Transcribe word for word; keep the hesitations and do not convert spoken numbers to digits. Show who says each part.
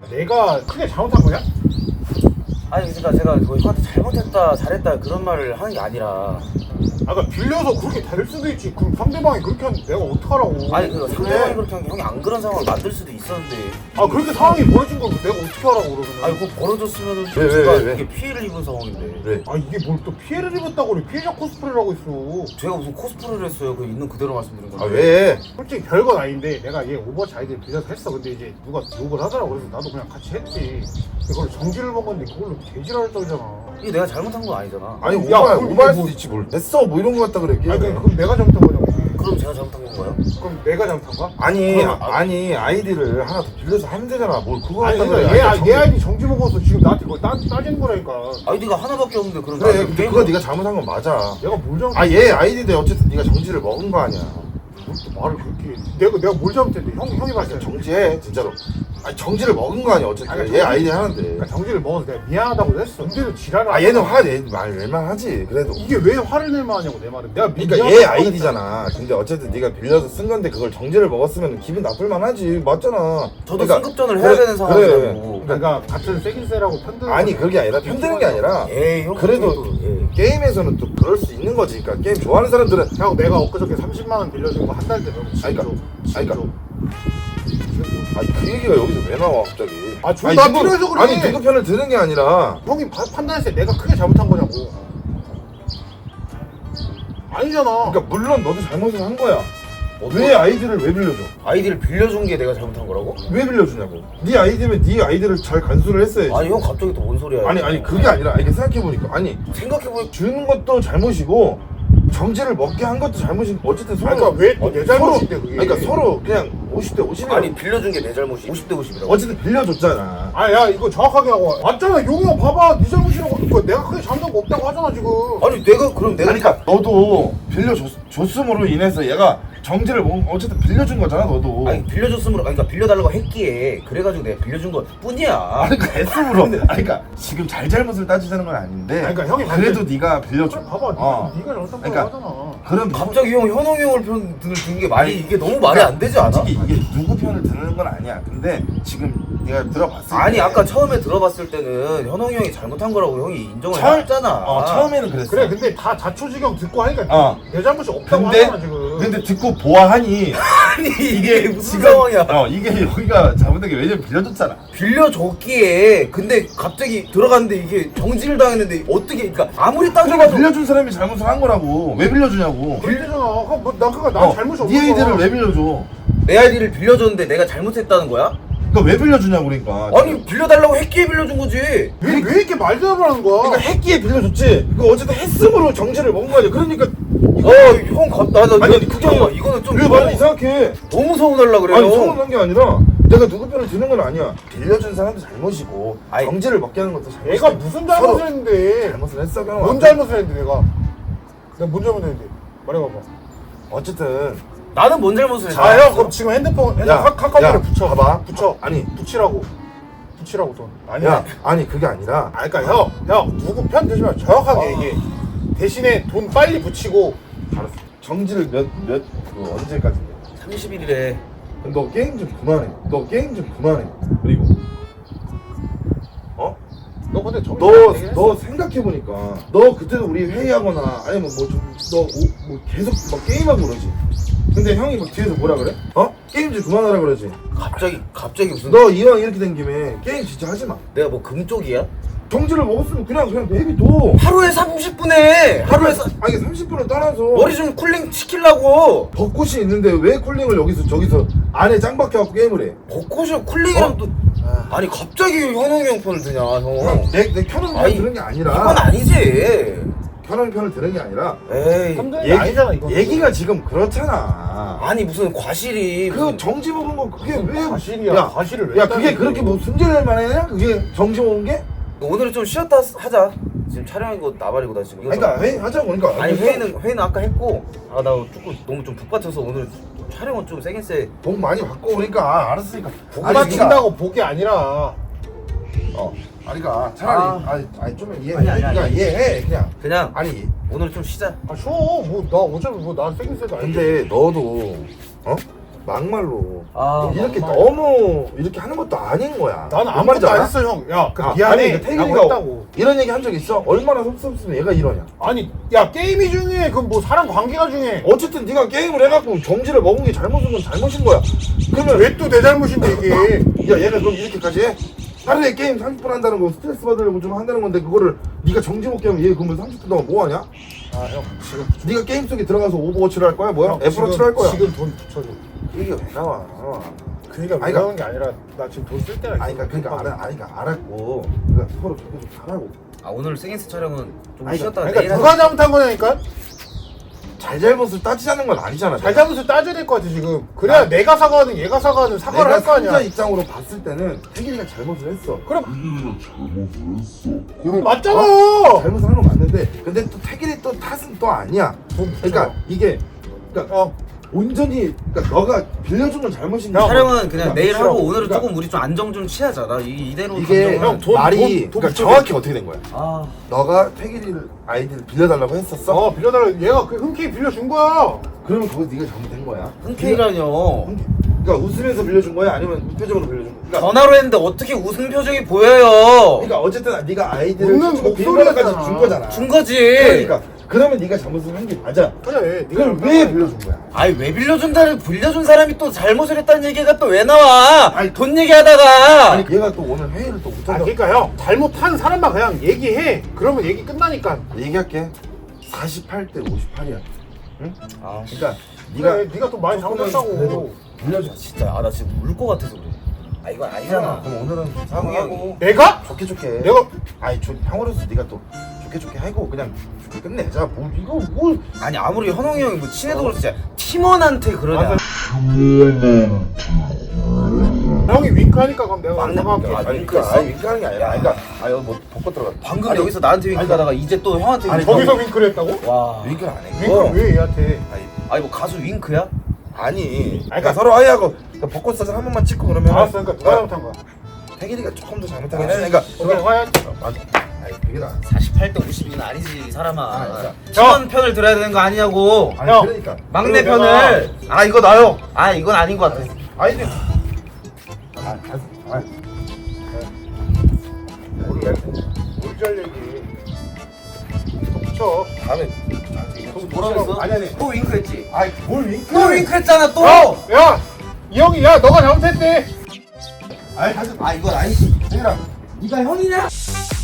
Speaker 1: 내가 크게 잘못한 거냐?
Speaker 2: 아니 그러니까 제가 뭐 형한테 잘못했다 잘했다 그런 말을 하는 게 아니라
Speaker 1: 아 그러니까 빌려서 그렇게 될 수도 있지. 그럼 상대방이 그렇게 하는데 내가 어떡하라고.
Speaker 2: 아니 그 상대방이 그렇게 한 게 형이 안 그런 상황을 만들 수도 있었는데
Speaker 1: 아 그렇게 상황이 벌어진 걸 내가 어떻게 하라고 그러면.
Speaker 2: 아니 그거 벌어졌으면은
Speaker 3: 왜, 왜,
Speaker 2: 제가
Speaker 3: 왜, 왜?
Speaker 2: 이게 피해를 입은 상황인데
Speaker 3: 왜?
Speaker 1: 아 이게 뭘 또 피해를 입었다고 그래. 피해자 코스프레를 하고 있어.
Speaker 2: 제가 무슨 코스프레를 했어요. 그 있는 그대로 말씀드린 건데
Speaker 3: 아 왜?
Speaker 1: 솔직히 별건 아닌데 내가 얘 오버워치 아이디를 빌려서 했어. 근데 이제 누가 욕을 하더라고. 그래서 나도 그냥 같이 했지. 근데 그걸 정지를 먹었는데 그걸로 개지랄 떨잖아.
Speaker 2: 이게 내가 잘못한 건 아니잖아.
Speaker 3: 아니
Speaker 1: 야,
Speaker 3: 오바
Speaker 1: 그럼
Speaker 3: 오바할
Speaker 1: 뭐-
Speaker 3: 수도 있지 뭘. 됐어 뭐 이런 거 같다 그래.
Speaker 1: 아니 그럼 그럼 내가 잘못한 거냐고.
Speaker 2: 그럼 제가 잘못한 건가요?
Speaker 1: 그럼 내가 잘못한 거야?
Speaker 3: 아니
Speaker 2: 그러면-
Speaker 3: 아니 아이디를 하나 더 빌려서 하면 되잖아. 뭘 그거
Speaker 1: 아니
Speaker 3: 갖다
Speaker 1: 그러니까
Speaker 3: 그래.
Speaker 1: 얘,
Speaker 3: 아니,
Speaker 1: 아- 얘 아이디 정지 먹어서 지금 나한테 그걸 따, 따지는 거라니까.
Speaker 2: 아이디가 하나밖에 없는데 그럼
Speaker 3: 그래
Speaker 2: 나는
Speaker 3: 근데
Speaker 2: 게임을-
Speaker 3: 그거 네가 잘못한 건 맞아.
Speaker 1: 내가 뭘 잘못?
Speaker 3: 아 얘 아이디인데 어쨌든 네가 정지를 먹은 거 아니야.
Speaker 1: 뭘또 말을 그렇게? 내가 내가 뭘 잘못했는데 형 형이 봤을 때
Speaker 3: 정지해 진짜로. 아니 정지를 먹은 거 아니야 어쨌든.
Speaker 1: 아니,
Speaker 3: 얘
Speaker 1: 정지-
Speaker 3: 아이디 하는데.
Speaker 1: 그러니까 정지를 먹어서 내가 미안하다고 했어. 근데도 지랄을.
Speaker 3: 아 얘는 화내말 낼만 하지 그래도.
Speaker 1: 이게 왜 화를 낼만 하냐고 내 말은. 내가 미-
Speaker 3: 그러니까
Speaker 1: 미안하다고
Speaker 3: 얘 아이디잖아. 근데 어쨌든 네가 빌려서 쓴 건데 그걸 정지를 먹었으면 기분 나쁠만 하지. 맞잖아.
Speaker 2: 저도
Speaker 3: 그러니까
Speaker 2: 승급전을 해야
Speaker 3: 그래,
Speaker 2: 되는 상황이라고.
Speaker 1: 했어. 그러니까 같은 세긴세라고 편드.
Speaker 3: 아니 그게 아니라 편드는 게 아니라
Speaker 2: 에이 형
Speaker 3: 그래도
Speaker 2: 또, 예.
Speaker 3: 게임에서는 또 그럴 수 있는 거지. 그러니까 게임 좋아하는 사람들은
Speaker 1: 형 내가 엊그저께 삼십만 원 빌려준 거 한 달 되면
Speaker 3: 아니, 그러니까, 아니, 그러니까. 아니 그 얘기가 여기서 왜 나와 갑자기?
Speaker 1: 아, 존나
Speaker 3: 누구-
Speaker 1: 필요해서 그래.
Speaker 3: 아니 누구 편을 드는 게 아니라
Speaker 1: 형이 파- 판단했을 때 내가 크게 잘못한 거냐고. 아니잖아.
Speaker 3: 그러니까 물론 너도 잘못을 한 거야. 왜 아이디를 왜 빌려줘?
Speaker 2: 아이디를 빌려준 게 내가 잘못한 거라고?
Speaker 3: 왜 빌려주냐고? 네 아이디면 네 아이디를 잘 간수를 했어야지.
Speaker 2: 아니 형 갑자기 또 뭔 소리야?
Speaker 3: 아니 아니 그게 아니라 이게 생각해보니까 아니
Speaker 2: 생각해보니
Speaker 3: 주는 것도 잘못이고 정지를 먹게 한 것도 잘못인 어쨌든 서로
Speaker 1: 아니, 그러니까 왜또 내 잘못인데,
Speaker 3: 서로,
Speaker 1: 그게.
Speaker 3: 그러니까 서로 그냥 오십 대 오십이라고
Speaker 2: 아니 빌려준 게 내 잘못이 오십 대 오십이라고.
Speaker 3: 어쨌든 빌려줬잖아.
Speaker 1: 아야 이거 정확하게 하고 맞잖아. 용이 형 봐봐. 네 잘못이라고. 이거 내가 크게 잘못한 거 없다고 하잖아 지금.
Speaker 2: 아니 내가 그럼 내가
Speaker 3: 아니 그러니까 너도 빌려줬음으로 인해서 얘가 정지를 먹은 어쨌든 빌려준 거잖아 너도.
Speaker 2: 아니 빌려줬으므로 아니, 그러니까 빌려달라고 했기에 그래가지고 내가 빌려준 것 뿐이야.
Speaker 3: 아니 그러니까 S으로 아니 그러니까 지금 잘잘못을 따지자는 건 아닌데
Speaker 1: 아니, 그러니까 형이
Speaker 3: 그래도 네가 빌려줘.
Speaker 1: 그래, 봐봐.
Speaker 3: 어.
Speaker 1: 네가 잘못한 거
Speaker 3: 그러니까
Speaker 1: 하잖아.
Speaker 3: 그럼
Speaker 2: 갑자기 형 현웅이 형을 편 드는 게 말이 이게 너무 말이 안 되지 않아?
Speaker 3: 솔직히 이게 누구 편을 드는 건 아니야. 근데 지금 네가 들어봤을 때
Speaker 2: 아니 아까 처음에 들어봤을 때는 현웅이 형이 잘못한 거라고 형이 인정을
Speaker 3: 처음-
Speaker 2: 했잖아.
Speaker 3: 어 처음에는 그랬어.
Speaker 1: 그래 근데 다 자초지경 듣고 하니까
Speaker 3: 어.
Speaker 1: 내 잘못이 없다고
Speaker 3: 근데
Speaker 1: 하잖아 지금.
Speaker 3: 근데 듣고 보아하니
Speaker 2: 아니 이게 무슨 상황이야?
Speaker 3: 어 이게 여기가 잘못된 게 왜냐면 빌려줬잖아.
Speaker 2: 빌려줬기에 근데 갑자기 들어갔는데 이게 정지를 당했는데 어떻게 그러니까 아무리
Speaker 3: 그러니까
Speaker 2: 따져봐도
Speaker 3: 빌려준 사람이 잘못을 한 거라고. 왜 빌려주냐고.
Speaker 1: 빌리잖아. 뭐, 나 그니까 나
Speaker 3: 어,
Speaker 1: 잘못이 없어.
Speaker 3: 네 아이디를 왜 빌려줘?
Speaker 2: 내 아이디를 빌려줬는데 내가 잘못했다는 거야?
Speaker 3: 그러니까 왜 빌려주냐고 그러니까.
Speaker 2: 아니 빌려달라고 했기에 빌려준 거지.
Speaker 1: 왜, 왜 이렇게 말대답을 하는 거야?
Speaker 3: 그러니까 했기에 빌려줬지. 그 어쨌든 했음으로 정지를 먹은 거 아니야. 그러니까
Speaker 2: 어형 갑다 나
Speaker 3: 아니,
Speaker 2: 이거
Speaker 3: 그게
Speaker 2: 잠깐만 이거는 좀
Speaker 3: 왜 말을 이상하게?
Speaker 2: 너무 서운하려 그래요.
Speaker 3: 아니 서운한 게 아니라 내가 누구 편을 드는 건 아니야. 빌려준 사람도 잘못이고
Speaker 2: 아니,
Speaker 3: 정지를 먹게 하는 것도 잘못이고.
Speaker 1: 얘가 무슨 잘못을 했는데?
Speaker 3: 잘못을 했어. 그냥
Speaker 1: 뭔 잘못을 했는데 내가? 내가 뭔 잘못했는데? 말해봐봐.
Speaker 3: 어쨌든
Speaker 2: 나는 뭔 잘못을 했어?
Speaker 1: 자, 형 그럼 지금 핸드폰 핸드폰
Speaker 3: 야,
Speaker 1: 카- 카카오톡에
Speaker 3: 야,
Speaker 1: 붙여.
Speaker 3: 봐봐.
Speaker 1: 붙여.
Speaker 3: 아니.
Speaker 1: 붙이라고. 붙이라고 돈. 아니야.
Speaker 3: 야 아니 그게 아니라
Speaker 1: 아, 그러니까 형, 형 누구 편 드지 마. 정확하게
Speaker 3: 어.
Speaker 1: 얘기해. 대신에 돈 빨리 붙이고.
Speaker 3: 알았어. 정지를 몇 몇 그 언제까지인데?
Speaker 2: 삼십 일이래.
Speaker 3: 너 게임 좀 그만해. 너 게임 좀 그만해. 그리고 어?
Speaker 1: 너 근데 정신
Speaker 3: 너
Speaker 1: 얘기를 했어?
Speaker 3: 너 생각해 보니까 너 그때도 우리 회의하거나 아니면 뭐 좀 너 뭐 계속 막 게임하고 그러지. 근데 형이 막 뒤에서 뭐라 그래? 어? 게임 좀 그만하라 그러지.
Speaker 2: 갑자기 갑자기 무슨
Speaker 3: 너 이왕 이렇게 된 김에 게임 진짜 하지 마.
Speaker 2: 내가 뭐 금쪽이야?
Speaker 3: 정지를 먹었으면 그냥 그냥 내비둬.
Speaker 2: 하루에 삼십 분에 하루에 사...
Speaker 3: 아니 삼십 분을 떠나서
Speaker 2: 머리 좀 쿨링 시키려고
Speaker 3: 벚꽃이 있는데 왜 쿨링을 여기서 저기서 안에 짱 박혀갖고 게임을 해?
Speaker 2: 벚꽃이 쿨링이랑
Speaker 3: 어?
Speaker 2: 또 아니 갑자기 현웅이 형 편을 드냐 형.
Speaker 3: 내, 내 켜놓은 편을
Speaker 2: 아니,
Speaker 3: 드는 게 아니라
Speaker 2: 이건 아니지.
Speaker 3: 켜놓은 편을 드는 게 아니라
Speaker 2: 에이
Speaker 1: 삼성이
Speaker 3: 얘기,
Speaker 1: 아니잖아 이거.
Speaker 3: 얘기가 지금 그렇잖아.
Speaker 2: 아니 무슨 과실이
Speaker 3: 그
Speaker 2: 무슨...
Speaker 3: 정지 먹은 거 그게 왜
Speaker 1: 과실이야.
Speaker 3: 야,
Speaker 1: 과실을 왜
Speaker 3: 야 그게
Speaker 1: 따지는
Speaker 3: 그렇게
Speaker 1: 거야?
Speaker 3: 뭐 순진할 만하냐? 그게 정지 먹은 게?
Speaker 2: 오늘은 좀 쉬었다 하자. 지금 촬영이고 나발이고 나 지금.
Speaker 3: 아니, 그러니까 회의 하자고 그러니까.
Speaker 2: 아니 회의는 회의는 아까 했고 아 나 조금 너무 좀 북받쳐서 오늘 촬영은 좀 세긴 세.
Speaker 3: 복 많이 받고 그러니까 알았으니까.
Speaker 1: 복
Speaker 3: 아니,
Speaker 1: 맞춘다고 복이 아니라.
Speaker 3: 어. 아니 그러니까 차라리
Speaker 2: 아.
Speaker 3: 아니 아니 좀 이해해.
Speaker 2: 아니, 아니, 아니.
Speaker 3: 그러니까 이해해 그냥.
Speaker 2: 그냥
Speaker 3: 아니
Speaker 2: 오늘 좀 쉬자.
Speaker 1: 아 쉬어. 뭐나 어차피 뭐난 세긴 세도 아닌데.
Speaker 3: 근데 너도 어? 막말로
Speaker 2: 아,
Speaker 3: 이렇게
Speaker 2: 막말.
Speaker 3: 너무 이렇게 하는 것도 아닌 거야.
Speaker 1: 나는
Speaker 3: 뭔
Speaker 1: 아무것도
Speaker 3: 말인지
Speaker 1: 안
Speaker 3: 알아?
Speaker 1: 했어 형. 야, 그
Speaker 3: 아,
Speaker 1: 미안해.
Speaker 3: 아니, 그
Speaker 1: 라고
Speaker 3: 태길이가
Speaker 1: 했다고.
Speaker 3: 이런 얘기 한 적 있어? 얼마나 섭섭했으면 얘가 이러냐.
Speaker 1: 아니, 야 게임이 중요해. 그럼 뭐 사람 관계가 중요해.
Speaker 3: 어쨌든 네가 게임을 해갖고 정지를 먹은 게 잘못인 건 잘못인 거야. 그러면
Speaker 1: 왜 또 내 잘못인데 이게?
Speaker 3: 야 얘가 그럼 이렇게까지 해? 하루에 게임 삼십 분 한다는 거 스트레스 받으려고 좀 한다는 건데 그거를 네가 정지 먹게 하면 얘 그러면 삼십 분 동안 뭐 하냐?
Speaker 1: 아 형 지금
Speaker 3: 네가 게임 속에 들어가서 오버워치를 할 거야? 뭐야?
Speaker 1: 형,
Speaker 3: 애플워치를
Speaker 1: 지금-
Speaker 3: 할 거야?
Speaker 1: 지금 돈 붙여줘.
Speaker 3: 이게 왜 나와?
Speaker 1: 그니까
Speaker 3: 아니,
Speaker 1: 왜 그러는 게 아니라 나 지금 돈 쓸 때가 있어.
Speaker 3: 아니 그러니까 그러니까 알아 아니 그러니까 알았고 그러니까 서로 계속 잘하고
Speaker 2: 아 오늘 생인스 촬영은 좀
Speaker 3: 아니,
Speaker 2: 쉬었다가
Speaker 1: 그러니까
Speaker 2: 내일
Speaker 1: 누가
Speaker 2: 하자.
Speaker 1: 잘못한 거냐니까?
Speaker 3: 잘잘못을 따지자는 건 아니잖아.
Speaker 1: 잘잘못을 따져야 될 것 같아 지금. 그래야 내가 사과하든 얘가 사과하든 사과를 할 거
Speaker 3: 내가
Speaker 1: 아니야.
Speaker 3: 삼자 입장으로 봤을 때는 태길이가 잘못을 했어.
Speaker 1: 그럼
Speaker 3: 그럼
Speaker 1: 맞잖아.
Speaker 3: 어? 잘못을 한 건 맞는데 근데 또 태길이 또 탓은 또 아니야.
Speaker 1: 돈 붙여.
Speaker 3: 그러니까 이게 그러니까
Speaker 1: 형
Speaker 3: 온전히 그러니까 너가 빌려준 건 잘못인
Speaker 1: 형,
Speaker 3: 거야.
Speaker 2: 촬영은 그냥
Speaker 3: 그러니까
Speaker 2: 내일
Speaker 3: 싫어.
Speaker 2: 하고 오늘은
Speaker 3: 그러니까
Speaker 2: 조금 우리 좀 안정 좀 취하자. 나 이, 이대로
Speaker 3: 이게
Speaker 2: 감정은-
Speaker 1: 형, 돈,
Speaker 3: 말이
Speaker 1: 돈, 돈
Speaker 3: 그러니까
Speaker 1: 붙여.
Speaker 3: 정확히 어떻게 된 거야?
Speaker 2: 아
Speaker 3: 너가 태길이를 아이디를 빌려달라고 했었어?
Speaker 1: 어 빌려달라. 얘가 그 흔쾌히 빌려준 거야.
Speaker 3: 그러면 그거 네가 잘못된 거야.
Speaker 2: 흔쾌히라뇨.
Speaker 3: 그러니까 웃으면서 빌려준 거야? 아니면 무표정으로 빌려준 거야? 그러니까,
Speaker 2: 전화로 했는데 어떻게 웃음 표정이 보여요?
Speaker 3: 그러니까 어쨌든 네가 아이디를
Speaker 1: 웃는
Speaker 3: 주고
Speaker 1: 목소리였잖아.
Speaker 3: 빌려까지 준 거잖아.
Speaker 2: 준 거지.
Speaker 3: 그러니까 그러면 네가 잘못을 한 게 맞아.
Speaker 1: 그래.
Speaker 3: 그걸 왜 빌려준 거야?
Speaker 2: 아니 왜 빌려준다는 빌려준 사람이 또 잘못을 했다는 얘기가 또 왜 나와?
Speaker 3: 아니,
Speaker 2: 돈 얘기하다가
Speaker 3: 아니 얘가 또 오늘 회의를 또
Speaker 1: 아
Speaker 3: 못한다.
Speaker 1: 그러니까 형 잘못한 사람만 그냥 얘기해. 그러면 얘기 끝나니까.
Speaker 3: 얘기할게. 사십팔 대 오십팔이야. 응?
Speaker 2: 아
Speaker 3: 그러니까
Speaker 1: 네가
Speaker 3: 네가
Speaker 1: 네가 또 많이
Speaker 3: 조금은
Speaker 1: 잘못했다고.
Speaker 3: 그래도 빌려줘.
Speaker 2: 진짜 아 나 지금 울 것 같아서 그래. 아 이건 아니잖아.
Speaker 3: 그럼 오늘은 사과하고
Speaker 1: 내가?
Speaker 3: 좋게 좋게.
Speaker 1: 내가
Speaker 3: 아니 저 형으로서 네가 또 좋게 좋게 하고 그냥 좋게 끝내자. 뭐 이거 뭘?
Speaker 2: 아니 아무리 현홍이 형이 뭐 친해도 그렇지 팀원한테 그러냐.
Speaker 1: 맞아. 형이 윙크하니까 그럼 내가
Speaker 2: 막내
Speaker 1: 사과할게.
Speaker 2: 아,
Speaker 3: 아니
Speaker 2: 윙크했어?
Speaker 3: 그러니까 아니 윙크하는 게 아니라. 아니, 그러니까 아 이거 뭐 벗고 들어가.
Speaker 2: 방금
Speaker 3: 아니,
Speaker 2: 여기서 나한테 윙크하다가 이제 또 형한테
Speaker 3: 아니,
Speaker 2: 윙크.
Speaker 1: 거기서 윙크를 했다고?
Speaker 2: 와.
Speaker 3: 윙크를 안 해.
Speaker 1: 윙크를 왜 얘한테?
Speaker 3: 아니
Speaker 2: 아니 뭐 가수 윙크야?
Speaker 3: 아니. 그러니까
Speaker 1: 그러니까-
Speaker 3: 서로 하이하고 그러니까 벚꽃 사진 한 번만 찍고 그러면.
Speaker 1: 알았어. 그러니까 누가 잘못한 거야?
Speaker 3: 태길이가 조금 더 잘못하긴 해. 그러니까
Speaker 1: 오케이 화해.
Speaker 3: 맞아. 아니 그게 나.
Speaker 2: 사십팔 대 오십이는 아니지 사람아.
Speaker 3: 아,
Speaker 2: 팀원 편을 들어야 되는 거 아니냐고.
Speaker 3: 아니
Speaker 1: 형.
Speaker 3: 그러니까.
Speaker 2: 막내
Speaker 1: 그리고
Speaker 2: 편을. 아 이거 나요. 아 이건 아닌 것 같아.
Speaker 3: 아이디. 아, 아, 아.
Speaker 1: 모르겠. 모르지 할 얘기. 또 붙여.
Speaker 3: 다음에.
Speaker 2: 뭐라고 했어?
Speaker 1: 아니 아니.
Speaker 2: 또 윙크했지.
Speaker 3: 아이 뭘 윙크?
Speaker 2: 또 윙크했잖아 또.
Speaker 1: 야, 야, 이 형이 야 너가 잘못했대.
Speaker 3: 아이 가지.
Speaker 2: 아 이건 아니지.
Speaker 3: 태길아.
Speaker 2: 네가 형이냐?